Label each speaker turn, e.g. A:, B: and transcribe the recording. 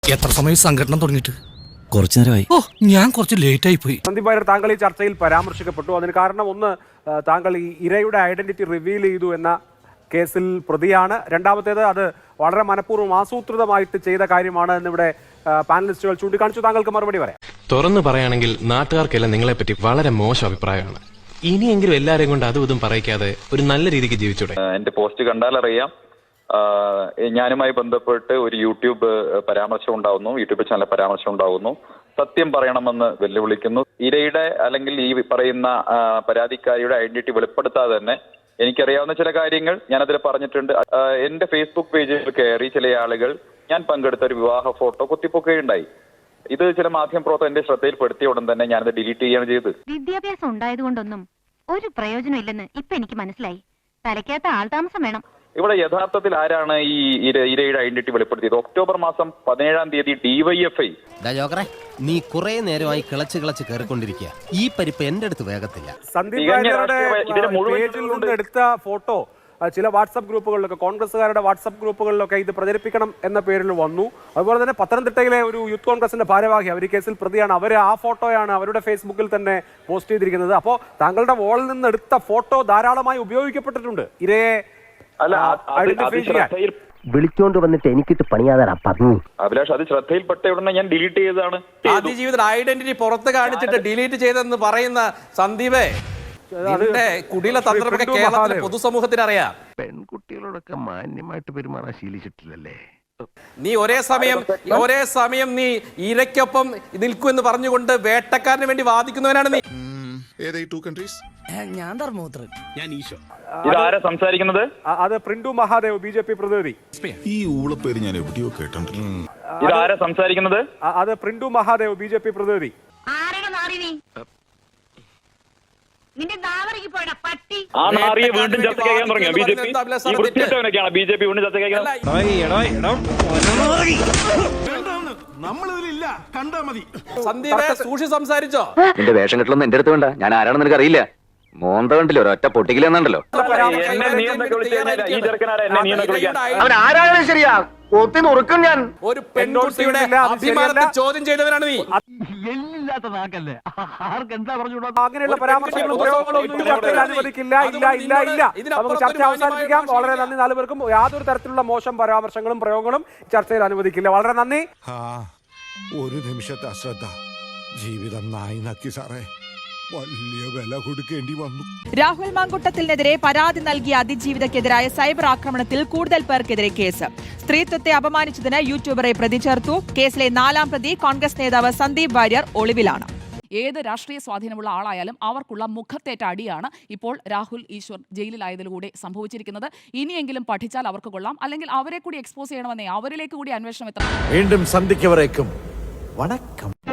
A: എത്ര സമയം സംഘടന തുടങ്ങിയിട്ട്?
B: കുറച്ചു നേരമായി.
A: ഓ, ഞാൻ കുറച്ച് ലേറ്റ് ആയി പോയി.
C: സന്ദീപ് വാര്യർ, താങ്കൾ ഈ ചർച്ചയിൽ പരാമർശിക്കപ്പെട്ടു. അതിന് കാരണം ഒന്ന്, താങ്കൾ ഈ ഇരയുടെ ഐഡന്റിറ്റി റിവീൽ ചെയ്തു എന്ന കേസിൽ പ്രതിയാണ്. രണ്ടാമത്തേത്, അത് വളരെ മനഃപൂർവ്വം ആസൂത്രിതമായിട്ട് ചെയ്ത കാര്യമാണ് എന്നിവിടെ പാനലിസ്റ്റുകൾ ചൂണ്ടിക്കാണിച്ചു. താങ്കൾക്ക് മറുപടി പറയാം.
D: തുറന്നു പറയുകയാണെങ്കിൽ നാട്ടുകാർക്കെല്ലാം നിങ്ങളെപ്പറ്റി വളരെ മോശം അഭിപ്രായമാണ്. ഇനിയെങ്കിലും എല്ലാവരെയും കൊണ്ട് അതും ഇതും പറയിക്കാതെ ഒരു നല്ല രീതിക്ക് ജീവിച്ചൂടെ?
E: എന്റെ പോസ്റ്റ് കണ്ടാലറിയാം, ഞാനുമായി ബന്ധപ്പെട്ട് ഒരു യൂട്യൂബ് പരാമർശം ഉണ്ടാവുന്നു, യൂട്യൂബ് ചാനൽ പരാമർശം ഉണ്ടാവുന്നു. സത്യം പറയണമെന്ന് വെല്ലുവിളിക്കുന്നു. ഇരയുടെ അല്ലെങ്കിൽ ഈ പറയുന്ന പരാതിക്കാരിയുടെ ഐഡന്റിറ്റി വെളിപ്പെടുത്താതെ തന്നെ എനിക്കറിയാവുന്ന ചില കാര്യങ്ങൾ ഞാനതിൽ പറഞ്ഞിട്ടുണ്ട്. എന്റെ ഫേസ്ബുക്ക് പേജിൽ കയറി ചില ആളുകൾ ഞാൻ പങ്കെടുത്ത ഒരു വിവാഹ ഫോട്ടോ കുത്തിപ്പൊക്കുകയുണ്ടായി. ഇത് ചില മാധ്യമപ്രവർത്തകർ എന്റെ ശ്രദ്ധയിൽപ്പെടുത്തിയ ഉടൻ തന്നെ ഞാനത് ഡിലീറ്റ് ചെയ്യുകയാണ് ചെയ്തത്.
F: വിദ്യാഭ്യാസം ഉണ്ടായതുകൊണ്ടൊന്നും ഒരു പ്രയോജനം ഇല്ലെന്ന് ഇപ്പൊ എനിക്ക് മനസ്സിലായി. തലയ്ക്കകത്ത് ആൾതാമസം വേണം.
E: ഇവിടെ യഥാർത്ഥത്തിൽ ആരാണ് ഈ ഇരയുടെ ഐഡന്റിറ്റി വെളിപ്പെടുത്തിയത്? ഒക്ടോബർ മാസം 17-ാം തീയതി DYFI.
B: നീ കുറെ നേരമായി കിളച്ച് കയറിക്കൊണ്ടിരിക്കുക. ഈ പരിപ്പ് എന്റെ അടുത്ത് വേഗത്തില്ല.
C: സന്ദീപ് വാര്യരുടെ പേജിൽ നിന്ന് എടുത്ത ഫോട്ടോ ചില വാട്സപ്പ് ഗ്രൂപ്പുകളിലൊക്കെ, കോൺഗ്രസ്സുകാരുടെ വാട്സപ്പ് ഗ്രൂപ്പുകളിലൊക്കെ ഇത് പ്രചരിപ്പിക്കണം എന്ന പേരിൽ വന്നു. അതുപോലെ തന്നെ പത്തനംതിട്ടയിലെ ഒരു യൂത്ത് കോൺഗ്രസിന്റെ ഭാരവാഹി, അവർ ഈ കേസിൽ പ്രതിയാണ്, അവർ ആ ഫോട്ടോയാണ് അവരുടെ ഫേസ്ബുക്കിൽ തന്നെ പോസ്റ്റ് ചെയ്തിരിക്കുന്നത്. അപ്പോൾ താങ്കളുടെ വോളിൽ നിന്ന് എടുത്ത ഫോട്ടോ ധാരാളമായി ഉപയോഗിക്കപ്പെട്ടിട്ടുണ്ട് ഇരയെ ഐഡന്റിഫൈ ചെയ്യാൻ.
G: വിളിച്ചോണ്ട് വന്നിട്ട് എനിക്കിട്ട് പണിയാതാ പറഞ്ഞു.
E: അഭിലാഷ്, അത് ശ്രദ്ധയിൽപ്പെട്ട ഉടനെ ഞാൻ ഡിലീറ്റ് ചെയ്തതാണ്.
H: ആദ്യജീവിതം ഐഡന്റിറ്റി പുറത്ത് കാണിച്ചിട്ട് ഡിലീറ്റ് ചെയ്തെന്ന് പറയുന്ന സന്ദീപേ, കുടില തന്ത്രമൊക്കെ കേരളത്തിലെ പൊതുസമൂഹത്തിന് അറിയാം.
G: പെൺകുട്ടികളോടൊക്കെ മാന്യമായിട്ട് പെരുമാറാൻ ശീലിച്ചിട്ടില്ലല്ലേ
H: നീ ഒരേ സമയം നീ ഇരയ്ക്കൊപ്പം നിൽക്കുമെന്ന് പറഞ്ഞുകൊണ്ട് വേട്ടക്കാരന് വേണ്ടി വാദിക്കുന്നവനാണ് നീ.
A: ഞാൻ ധർമ്മപുത്രൻ, ഞാൻ ഈശോ.
E: ഇതാരാ സംസാരിക്കുന്നത്?
C: അത് പ്രിന്റു മഹാദേവ്, BJP പ്രതിനിധി.
I: ഈ ഊളപ്പേര് ഞാൻ എവിടെയോ കേട്ടിട്ടുണ്ട്.
E: ഇതാരാ സംസാരിക്കുന്നത്?
C: അത് പ്രിന്റു മഹാദേവ്, BJP പ്രതിനിധി.
E: ആ നാറിയെ വീണ്ടും ചർച്ച ചെയ്യാൻ തുടങ്ങിയോ BJP? ഈ വൃത്തിയിട്ടവനൊക്കെയാണ് BJP വീണ്ടും ചർച്ച ചെയ്യാൻ.
H: സന്ദീപേ, സൂക്ഷി സംസാരിച്ചോ?
G: നിന്റെ വേഷം കെട്ടലൊന്നും എന്റെ അടുത്ത് വേണ്ട. ഞാൻ ആരാണെന്ന് നിനക്ക് അറിയില്ല. മോന്ത കണ്ടില്ലോ, ഒരൊറ്റ പൊട്ടിക്കില്ലെന്നുണ്ടല്ലോ. അവൻ ആരാണെന്ന് ശരിയാ, ഒത്തി നുറുക്കും ഞാൻ.
H: ഒരു പെൺകുട്ടിയുടെ അഭിമാനത്തെ ചോദ്യം ചെയ്തവനാണ് നീ.
G: എല്ലില്ലാത്ത നാക്കല്ലേ, ആർക്ക് എന്താ പറഞ്ഞു?
C: അങ്ങനെയുള്ള പരാമർശങ്ങളും പ്രയോഗങ്ങളും ഒന്നും ചർച്ചയിൽ അനുവദിക്കില്ല. നമുക്ക് ചർച്ച അവസാനിപ്പിക്കാം. വളരെ നന്ദി നാലുപേർക്കും. യാതൊരു തരത്തിലുള്ള മോശം പരാമർശങ്ങളും പ്രയോഗങ്ങളും ചർച്ചയിൽ അനുവദിക്കില്ല. വളരെ നന്ദി.
I: ഒരു നിമിഷത്തെ അശ്രദ്ധ ജീവിതം നായി നക്കി സാറേ, വലിയ വില കൊടുക്കേണ്ടി വന്നു.
J: രാഹുൽ മാങ്കുട്ടത്തിനെതിരെ പരാതി നൽകിയ അതിജീവിതക്കെതിരായ സൈബർ ആക്രമണത്തിൽ കൂടുതൽ പേർക്കെതിരെ കേസ്. സ്ത്രീത്വത്തെ അപമാനിച്ചതിന് യൂട്യൂബറെ പ്രതി ചേർത്തു. കേസിലെ 4-ാം പ്രതി കോൺഗ്രസ് നേതാവ് സന്ദീപ് വാര്യർ ഒളിവിലാണ്.
K: ഏത് രാഷ്ട്രീയ സ്വാധീനമുള്ള ആളായാലും അവർക്കുള്ള മുഖത്തേറ്റ അടിയാണ് ഇപ്പോൾ രാഹുൽ ഈശ്വർ ജയിലിലായതിലൂടെ സംഭവിച്ചിരിക്കുന്നത്. ഇനിയെങ്കിലും പഠിച്ചാൽ അവർക്ക് കൊള്ളാം, അല്ലെങ്കിൽ അവരെ കൂടി എക്സ്പോസ് ചെയ്യണമെന്നേ, അവരിലേക്ക് കൂടി അന്വേഷണം എത്തണം.
I: വീണ്ടും സന്ധിക്കവരേക്കും വണക്കം.